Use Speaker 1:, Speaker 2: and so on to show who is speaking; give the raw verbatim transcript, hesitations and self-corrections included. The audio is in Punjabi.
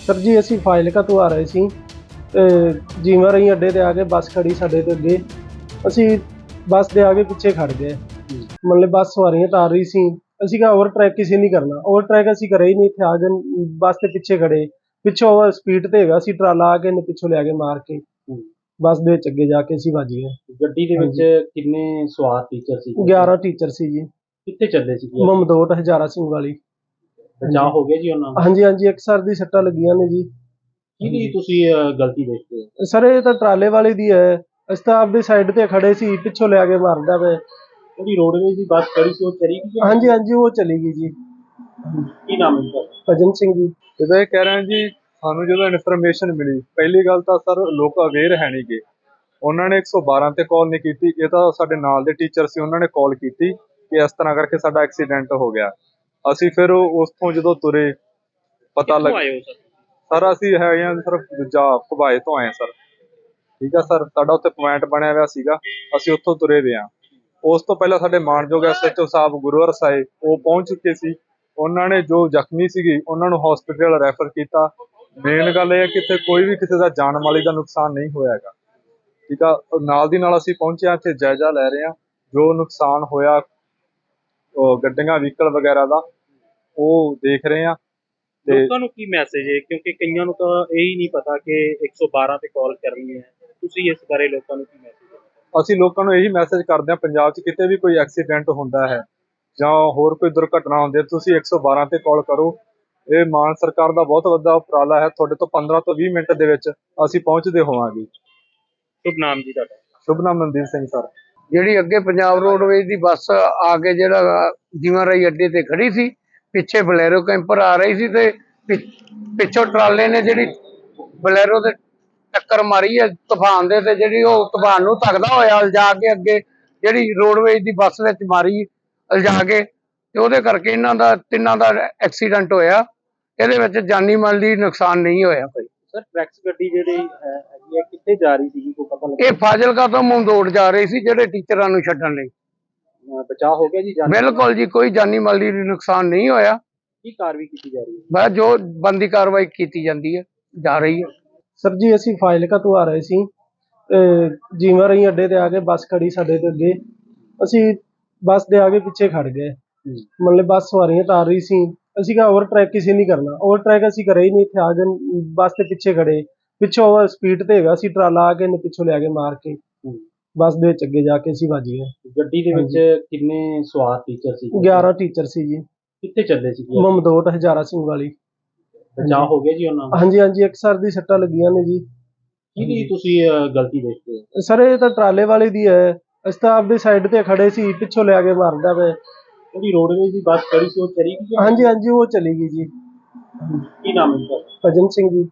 Speaker 1: ਸਰ ਜੀ ਅਸੀਂ ਫਾਜ਼ਿਲਕਾ ਤੋਂ ਆ ਰਹੇ ਸੀ ਤੇ ਜੀਵਾਂ ਰਹੀ ਅੱਡੇ ਤੇ ਆ ਕੇ ਬੱਸ ਖੜੀ ਸਾਡੇ ਤੇ ਅੱਗੇ। ਅਸੀਂ ਬੱਸ ਦੇ ਆਗੇ ਪਿੱਛੇ ਖੜ ਗਏ। ਮਤਲਬ ਬੱਸ ਸਵਾਰੀਆਂ ਤਾਰ ਰਹੀ ਸੀ, ਅਸੀਂ ਕਿਹਾ ਓਵਰ ਟਰੈਕ ਕਿਸੇ ਨਹੀਂ ਕਰਨਾ। ਓਵਰ ਟਰੈਕ ਅਸੀਂ ਕਰੇ ਹੀ ਨਹੀਂ, ਇੱਥੇ ਆ ਗਏ ਬੱਸ ਦੇ ਪਿੱਛੇ ਖੜੇ। ਪਿੱਛੋਂ ਸਪੀਡ ਤੇ ਹੈਗਾ ਸੀ ਟਰਾਲਾ, ਆ ਕੇ ਇਹਨੇ ਪਿੱਛੋਂ ਲਿਆ ਕੇ ਮਾਰ ਕੇ ਬੱਸ ਦੇ ਵਿੱਚ ਅੱਗੇ ਜਾ ਕੇ ਅਸੀਂ ਵੱਜ ਗਏ।
Speaker 2: ਗੱਡੀ ਦੇ ਵਿੱਚ ਕਿੰਨੇ ਸਵਾਰ ਟੀਚਰ ਸੀ?
Speaker 1: ਗਿਆਰਾਂ ਟੀਚਰ ਸੀ ਜੀ।
Speaker 2: ਕਿੱਥੇ ਚੱਲੇ ਸੀ?
Speaker 1: ਮਮਦੋਟ ਹਜ਼ਾਰਾ ਸਿੰਘ ਵਾਲੀ।
Speaker 2: ਬਚਾਅ ਹੋ ਗਿਆ ਜੀ ਉਹਨਾਂ ਦਾ?
Speaker 1: ਹਾਂਜੀ ਹਾਂਜੀ, ਇੱਕ ਸਰ ਦੀ ਸੱਟਾਂ ਲੱਗੀਆਂ ਨੇ ਜੀ।
Speaker 2: ਕਿਹਦੀ ਤੁਸੀਂ ਅਹ, ਗਲਤੀ ਦੇਖਦੇ ਹੋ?
Speaker 1: ਸਰ ਇਹ ਤਾਂ ਟਰਾਲੇ ਵਾਲੇ ਦੀ ਹੈ। ਅਸੀਂ ਤਾਂ ਆਪਦੀ ਸਾਈਡ ਤੇ ਖੜੇ ਸੀ, ਪਿੱਛੋਂ ਲਿਆ ਕੇ ਮਾਰਦਾ ਵੇ।
Speaker 2: ਜਿਹੜੀ ਰੋਡਵੇਜ਼ ਦੀ ਬੱਸ ਖੜੀ ਸੀ ਉਹ ਚਲੀ ਗਈ?
Speaker 1: ਹਾਂਜੀ ਹਾਂਜੀ, ਉਹ ਚਲੀ ਗਈ ਜੀ।
Speaker 2: ਕੀ ਨਾਮ ਹੈ ਤੁਹਾਡਾ?
Speaker 1: ਭਜਨ ਸਿੰਘ ਜੀ।
Speaker 3: ਜਦੋਂ ਇਹ ਕਹਿ ਰਹੇ ਜੀ, ਸਾਨੂੰ ਜਦੋਂ ਇਨਫੋਰਮੇਸ਼ਨ ਮਿਲੀ, ਪਹਿਲੀ ਗੱਲ ਤਾਂ ਸਰ ਲੋਕ ਅਵੇਅਰ ਹੈ ਨਹੀਂ ਗੇ। ਉਹਨਾਂ ਨੇ ਇੱਕ ਸੌ ਬਾਰਾਂ ਤੇ ਕਾਲ ਨਹੀਂ ਕੀਤੀ। ਇਹ ਤਾਂ ਸਾਡੇ ਨਾਲ ਦੇ ਟੀਚਰ ਸੀ, ਉਹਨਾਂ ਨੇ ਕਾਲ ਕੀਤੀ ਕਿ ਇਸ ਤਰ੍ਹਾਂ ਕਰਕੇ ਸਾਡਾ ਐਕਸੀਡੈਂਟ ਹੋ ਗਿਆ। ਅਸੀਂ ਫਿਰ ਉਸ ਤੋਂ ਜਦੋਂ ਤੁਰੇ ਪਤਾ ਲੱਗ ਸਰ ਅਸੀਂ ਹੈਗੇ ਹਾਂ ਸਰ ਦੂਜਾ ਭਵਾਏ ਤੋਂ ਆਏ ਸਰ। ਠੀਕ ਆ ਸਰ, ਸਾਡਾ ਉੱਥੇ ਪੁਆਇੰਟ ਬਣਿਆ ਹੋਇਆ ਸੀਗਾ, ਅਸੀਂ ਉੱਥੋਂ ਤੁਰੇ ਵੇ ਹਾਂ। ਉਸ ਤੋਂ ਪਹਿਲਾਂ ਸਾਡੇ ਮਾਨਯੋਗ ਐਸ ਐਚ ਓ ਸਾਹਿਬ ਗੁਰੂਵਰ ਸਾਹਿਬ ਉਹ ਪਹੁੰਚ ਚੁੱਕੇ ਸੀ। ਉਹਨਾਂ ਨੇ ਜੋ ਜ਼ਖਮੀ ਸੀਗੀ ਉਹਨਾਂ ਨੂੰ ਹਸਪੀਟਲ ਰੈਫਰ ਕੀਤਾ। ਮੇਨ ਗੱਲ ਇਹ ਹੈ ਕਿ ਇੱਥੇ ਕੋਈ ਵੀ ਕਿਸੇ ਦਾ ਜਾਨ ਮਾਲੀ ਦਾ ਨੁਕਸਾਨ ਨਹੀਂ ਹੋਇਆ ਹੈਗਾ। ਠੀਕ ਆ, ਨਾਲ ਦੀ ਨਾਲ ਅਸੀਂ ਪਹੁੰਚੇ ਹਾਂ, ਇੱਥੇ ਜਾਇਜ਼ਾ ਲੈ ਰਹੇ ਹਾਂ ਜੋ ਨੁਕਸਾਨ ਹੋਇਆ ਗੱਡੀਆਂ ਵਹੀਕਲ ਵਗੈਰਾ ਦਾ, ਉਹ ਦੇਖ ਰਹੇ ਹਾਂ। ਤੇ
Speaker 2: ਲੋਕਾਂ ਨੂੰ ਕੀ ਮੈਸੇਜ ਹੈ, ਕਿਉਂਕਿ ਕਈਆਂ ਨੂੰ ਤਾਂ ਇਹ ਹੀ ਨਹੀਂ ਪਤਾ ਕਿ ਇੱਕ ਸੌ ਬਾਰਾਂ ਤੇ ਕਾਲ ਕਰਨੀ ਹੈ। ਤੁਸੀਂ ਇਸ ਬਾਰੇ ਲੋਕਾਂ ਨੂੰ ਕੀ ਮੈਸੇਜ ਹੈ?
Speaker 3: ਅਸੀਂ ਲੋਕਾਂ ਨੂੰ ਇਹੀ ਮੈਸੇਜ ਕਰਦੇ ਹਾਂ, ਪੰਜਾਬ 'ਚ ਕਿਤੇ ਵੀ ਕੋਈ ਐਕਸੀਡੈਂਟ ਹੁੰਦਾ ਹੈ ਜਾਂ ਹੋਰ ਕੋਈ ਦੁਰਘਟਨਾ ਹੁੰਦੀ ਹੈ, ਤੁਸੀਂ ਇੱਕ ਸੌ ਬਾਰਾਂ ਤੇ ਕਾਲ ਕਰੋ। ਇਹ ਮਾਨ ਸਰਕਾਰ ਦਾ ਬਹੁਤ ਵੱਡਾ ਉਪਰਾਲਾ ਹੈ। ਤੁਹਾਡੇ ਤੋਂ ਪੰਦਰਾਂ ਤੋਂ ਵੀਹ ਮਿੰਟ ਦੇ ਵਿੱਚ ਅਸੀਂ ਪਹੁੰਚਦੇ ਹੋਵਾਂਗੇ।
Speaker 2: ਸ਼ੁਭ ਨਾਮ ਜੀ ਤੁਹਾਡਾ?
Speaker 3: ਸ਼ੁਭ ਨਾਮ ਮਨਦੀਪ ਸਿੰਘ ਸਰ।
Speaker 4: ਜਿਹੜੀ ਅੱਗੇ ਪੰਜਾਬ ਰੋਡਵੇਜ਼ ਦੀ ਬੱਸ ਆ ਕੇ ਜਿਹੜਾ ਜੀਵਾਂ ਰਾਈ ਅੱਡੇ ਤੇ ਖੜੀ ਸੀ, ਪਿੱਛੇ ਬਲੈਰੋ ਕੈਂਪਰ ਆ ਰਹੀ ਸੀ ਤੇ ਪਿੱਛੋਂ ਟਰਾਲੇ ਨੇ ਜਿਹੜੀ ਬਲੈਰੋ ਦੇ ਟੱਕਰ ਮਾਰੀ ਹੈ ਤੂਫਾਨ ਦੇ, ਤੇ ਜਿਹੜੀ ਉਹ ਤੂਫਾਨ ਨੂੰ ਧੱਕਦਾ ਹੋਇਆ ਲਿਜਾ ਕੇ ਅੱਗੇ ਜਿਹੜੀ ਰੋਡਵੇਜ਼ ਦੀ ਬੱਸ ਵਿੱਚ ਮਾਰੀ ਲਿਜਾ ਕੇ, ਤੇ ਉਹਦੇ ਕਰਕੇ ਇਹਨਾਂ ਦਾ ਤਿੰਨਾਂ ਦਾ ਐਕਸੀਡੈਂਟ ਹੋਇਆ। ਇਹਦੇ ਵਿੱਚ ਜਾਨੀ ਮਾਲ ਦੀ ਨੁਕਸਾਨ ਨਹੀਂ ਹੋਇਆ ਕੋਈ।
Speaker 2: ਸਰ ਟਰੈਕਸ ਗੱਡੀ ਜਿਹੜੀ ਹੈ ਹੈਗੀ ਹੈ ਕਿੱਥੇ ਜਾ ਰਹੀ ਸੀ, ਕੋਈ ਪਤਾ ਲੱਗਾ?
Speaker 4: ਇਹ ਫਾਜ਼ਿਲਕਾ ਤੋਂ ਮਮਦੋਟ ਜਾ ਰਹੀ ਸੀ ਜਿਹੜੇ ਟੀਚਰਾਂ ਨੂੰ ਛੱਡਣ ਲਈ।
Speaker 2: ਬਚਾਅ ਹੋ ਗਿਆ ਜੀ?
Speaker 4: ਬਿਲਕੁਲ ਜੀ, ਕੋਈ ਜਾਨੀ ਮਾਲੀ ਨੁਕਸਾਨ ਨਹੀਂ ਹੋਇਆ।
Speaker 2: ਕੀ ਕਾਰਵਾਈ ਕੀਤੀ ਜਾ ਰਹੀ ਹੈ?
Speaker 4: ਬਸ ਜੋ ਬੰਦੀ ਕਾਰਵਾਈ ਕੀਤੀ ਜਾਂਦੀ ਹੈ, ਜਾ ਰਹੀ ਹੈ।
Speaker 1: ਸਰ ਜੀ ਅਸੀਂ ਫਾਜ਼ਿਲਕਾ ਤੋਂ ਆ ਰਹੇ ਸੀ ਤੇ ਜੀਵਾਂ ਰਹੀ ਅੱਡੇ ਤੇ ਆ ਕੇ ਬੱਸ ਖੜੀ ਸਾਡੇ ਤੇ ਅੱਗੇ। ਅਸੀਂ ਬੱਸ ਦੇ ਆਗੇ ਪਿੱਛੇ ਖੜ ਗਏ। ਮਤਲਬ ਬੱਸ ਸਵਾਰੀਆਂ ਤਾਰ ਰਹੀ ਸੀ, ਅਸੀਂ ਕਿਹਾ ਓਵਰ ਟਰੈਕ ਕਿਸੇ ਨਹੀਂ ਕਰਨਾ। ਓਵਰ ਟਰੈਕ ਅਸੀਂ ਕਰੇ ਹੀ ਨਹੀਂ, ਇੱਥੇ ਆ ਗਏ ਬੱਸ ਦੇ ਪਿੱਛੇ ਖੜੇ। ਪਿੱਛੋਂ ਸਪੀਡ ਤੇ ਹੈਗਾ ਸੀ ਟਰਾਲਾ, ਆ ਕੇ ਇਹਨੇ ਪਿੱਛੋਂ ਲਿਆ ਕੇ ਮਾਰ ਕੇ ਬੱਸ ਦੇ ਵਿੱਚ ਅੱਗੇ ਜਾ ਕੇ ਅਸੀਂ ਵੱਜ ਗਏ।
Speaker 2: ਗੱਡੀ ਦੇ ਵਿੱਚ ਕਿੰਨੇ ਸਵਾਰ ਟੀਚਰ ਸੀ?
Speaker 1: ਗਿਆਰਾਂ ਟੀਚਰ ਸੀ ਜੀ।
Speaker 2: ਕਿੱਥੇ ਚੱਲੇ ਸੀ?
Speaker 1: ਮਮਦੋਟ ਹਜ਼ਾਰਾ ਸਿੰਘ ਵਾਲੀ।
Speaker 2: ਬਚਾਅ ਹੋ ਗਿਆ ਜੀ ਉਹਨਾਂ ਦਾ?
Speaker 1: ਹਾਂਜੀ ਹਾਂਜੀ, ਇੱਕ ਸਰ ਦੀ ਸੱਟਾਂ ਲੱਗੀਆਂ ਨੇ ਜੀ।
Speaker 2: ਕਿਹਦੀ ਤੁਸੀਂ ਅਹ, ਗਲਤੀ ਦੇਖਦੇ ਹੋ?
Speaker 1: ਸਰ ਇਹ ਤਾਂ ਟਰਾਲੇ ਵਾਲੇ ਦੀ ਹੈ। ਅਸੀਂ ਤਾਂ ਆਪਦੀ ਸਾਈਡ ਤੇ ਖੜੇ ਸੀ, ਪਿੱਛੋਂ ਲਿਆ ਕੇ ਮਾਰਦਾ ਵੇ।
Speaker 2: ਜਿਹੜੀ ਰੋਡਵੇਜ਼ ਦੀ ਬੱਸ ਖੜੀ ਸੀ ਉਹ ਚਲੀ ਗਈ?
Speaker 1: ਹਾਂਜੀ ਹਾਂਜੀ, ਉਹ ਚਲੀ ਗਈ ਜੀ।
Speaker 2: ਕੀ ਨਾਮ ਹੈ ਤੁਹਾਡਾ?
Speaker 1: ਭਜਨ ਸਿੰਘ ਜੀ।